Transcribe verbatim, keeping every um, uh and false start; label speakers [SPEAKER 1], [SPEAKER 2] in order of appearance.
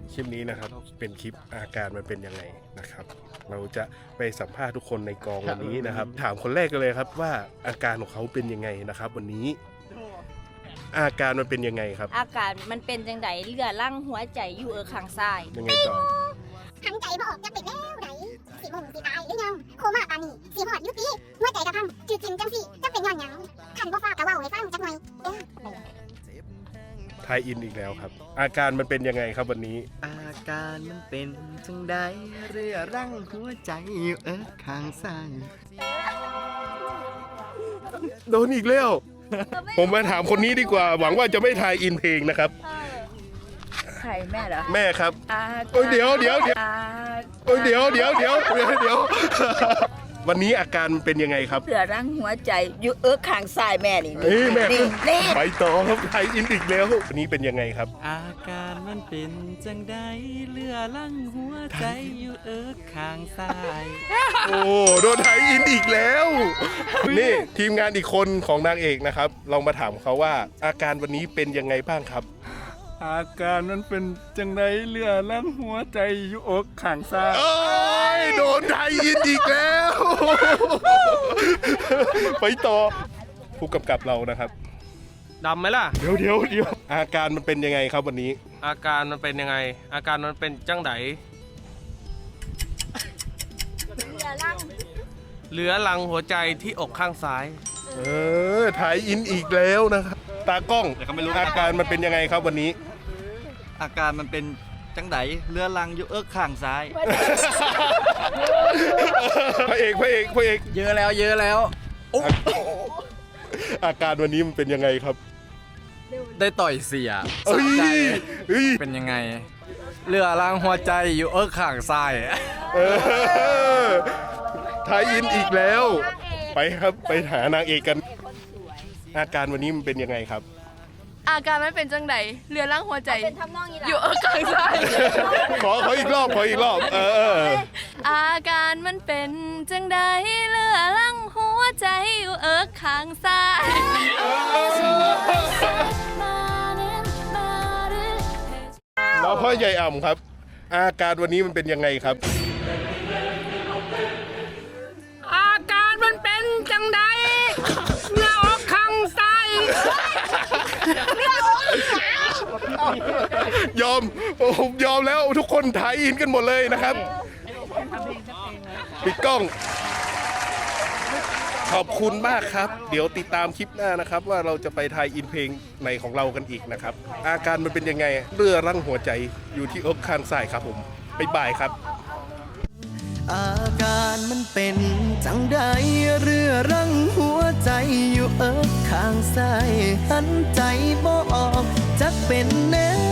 [SPEAKER 1] คลิปนี้นะครับเป็นคลิปอาการมันเป็นยังไงนะครับ เราจะไปสัมภาษณ์ทุกคนในกองวันนี้นะครับ ถามคนแรกกันเลยครับว่าอาการของเขาเป็นยังไงนะครับ วันนี้ อาการมันเป็นยังไงครับ
[SPEAKER 2] อาการมันเป็นจังไดเลือดลั่งหัวใจอยู่เออข้างซ้าย
[SPEAKER 1] ยังไงต่อ
[SPEAKER 3] หันใจบ่ออกจะเป็นแล้วไหนสีมงสีตายหรือยังโคม่าปานนี้สีหอดยุติหัวใจกระพังจืดจิมจังสิจะเป็นย้อนหยังขันบ่ฟ้ากะเว้าให้ฟังจักหน่อยเด้อ
[SPEAKER 1] ไทยอินอีกแล้วครับ อาการมันเป็นยังไงครับวันนี้
[SPEAKER 4] อาการมันเป็นจังใดเรือรังหัวใจอยู่เออข้างซ้าย
[SPEAKER 1] โดนอีกแล้ว ผมมาถามคนนี้ดีกว่า หวังว่าจะไม่ทายอินเพลงนะครับ
[SPEAKER 2] ใครแม่เหรอ
[SPEAKER 1] แม่ครับ
[SPEAKER 2] อา
[SPEAKER 1] โอ้ยเดี๋ยวเดี๋ยวเดี๋ยว
[SPEAKER 2] อา
[SPEAKER 1] โอ้ยเดี๋ยวเดี๋ยวเดี๋ยวเดี๋ยวเดี๋ยว วันนี้อาการมันเป็นยังไงครับ
[SPEAKER 2] เลือดลั่งหัวใจอยู่เออข้างซ้ายแม่นี่
[SPEAKER 1] เฮ้ยแม่
[SPEAKER 2] นี่นี่
[SPEAKER 1] ไปต่อครับไทยอินอีกแล้ว วันนี้เป็นยังไงครับ
[SPEAKER 4] อาการมันเป็นจังใดเรือรังหัวใจอยู่เออข้างซ้าย
[SPEAKER 1] โอ้โดนไทยอินอีกแล้ว นี่ทีมงานอีกคนของนางเอกนะครับลองมาถามเขาว่า อาการวันนี้เป็นยังไงบ้างครับ
[SPEAKER 5] อาการมันเป็นจังไดเรือลั่งหัวใจอยู่อกข้างซ้าย
[SPEAKER 1] โอ้ยโดนไทยอินอีกแล้ว ไปต่อผู้กำกับเรานะครับ
[SPEAKER 6] ดำไหมล่ะ
[SPEAKER 1] เดี๋ยวเดี๋ยวเดี๋ยวอาการมันเป็นยังไงครับวันนี้
[SPEAKER 6] อาการมันเป็นยังไง อาการมันเป็นจังได
[SPEAKER 2] เลือดลั่ง
[SPEAKER 6] เหลือหลังหัวใจที่อกข้างซ้าย
[SPEAKER 1] เออไทยอินอีกแล้วนะครับ ตากล้องอาการมันเป็นยังไงครับวันนี้
[SPEAKER 4] อาการมันเป็นจังใดเรือรังอยู่เออข้างซ้าย
[SPEAKER 1] พระเอกพระเอกพระเอก
[SPEAKER 4] เยอะแล้วเยอะแล้ว
[SPEAKER 1] อาการวันนี้มันเป็นยังไงครับ
[SPEAKER 4] ได้ต่อยเสีย
[SPEAKER 1] เอ้ยเฮ้ย
[SPEAKER 4] เป็นยังไงเรือรังหัวใจอยู่เออข้างซ้าย
[SPEAKER 1] เออไทยอินอีกแล้ว ไปครับไปหานางเอกกัน อาการวันนี้มันเป็นยังไงครับ
[SPEAKER 7] อาการมันเป็นจังไดเรือล่างหัวใจ
[SPEAKER 2] เป็นทำนองนี้ล่ะ
[SPEAKER 7] อยู่เออข้างซ้าย
[SPEAKER 1] ขอขออีกรอบขออีกรอบ เออเออ
[SPEAKER 7] อาการมันเป็นจังไดเรือล่างหัวใจอยู่เออข้างซ้าย
[SPEAKER 1] แล้วพ่อใหญ่อ่ำครับ อาการวันนี้มันเป็นยังไงครับ
[SPEAKER 7] อาการมันเป็นจังไดเรืออกข้างซ้าย
[SPEAKER 1] ยอมผมยอมแล้วทุกคนไทยอินกันหมดเลยนะครับปิดกล้อง ขอบคุณมากครับ เดี๋ยวติดตามคลิปหน้านะครับ ว่าเราจะไปไทยอินเพลงในของเรากันอีกนะครับ อาการมันเป็นยังไงเรือรั่งหัวใจอยู่ที่อกข้างซ้ายครับผมบ๊ายบายครับ
[SPEAKER 4] อาการมันเป็นจังใดเรือรังหัวใจอยู่เออข้างซ้ายหันใจบ่ออกจักเป็นแนว